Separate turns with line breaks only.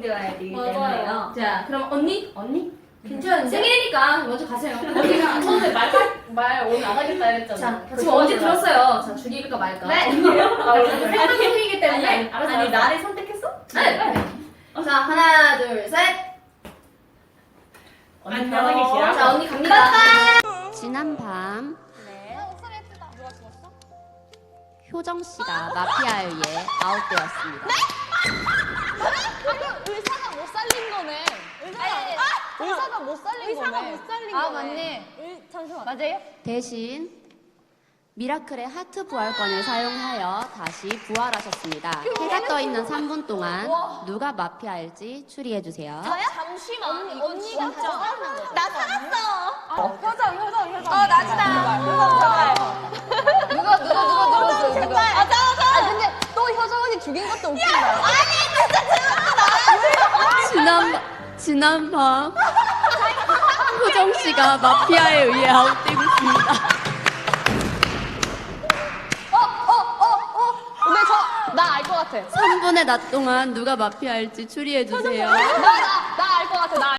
되어야 되기
맞아요.
때문에요. 자, 그럼 언니?
괜찮은데?
생일이니까 먼저 가세요.
언니가 처음에 말 오늘 안 하겠다 했잖아.
자, 지금 언제 들었어요? 자, 죽일까 말까?
네.
생각 중이기 때문에.
아니, 알았어.
나를 선택했어? 네. 자, 하나, 둘, 셋.
언니 편하게 기라.
자, 언니 갑니다.
지난 밤
목소리 예쁘다. 누가 죽었어?
효정 씨가 마피아에 의해 아웃되었습니다.
아니 의사가 못 살린 거네. 의사가 못 살린 거네. 의사가 못 살린 거네. 아 맞네. 잠시만. 맞아요?
대신 미라클의 하트 부활권을 사용하여 다시 부활하셨습니다. 해가 떠 있는 3분 동안 누가 마피아일지 추리해주세요.
잠시만. 언니가 나 살았어. 효정. 나지다. 누가 제발. 맞아. 아 근데 또 효정 언니 죽인 것도 웃긴다.
지난 밤 효정 씨가 마피아에 의해 아웃되고 있습니다.
근데 나 알 것 같아.
3분의 낮 동안 누가 마피아일지 추리해주세요.
나 알 것 같아.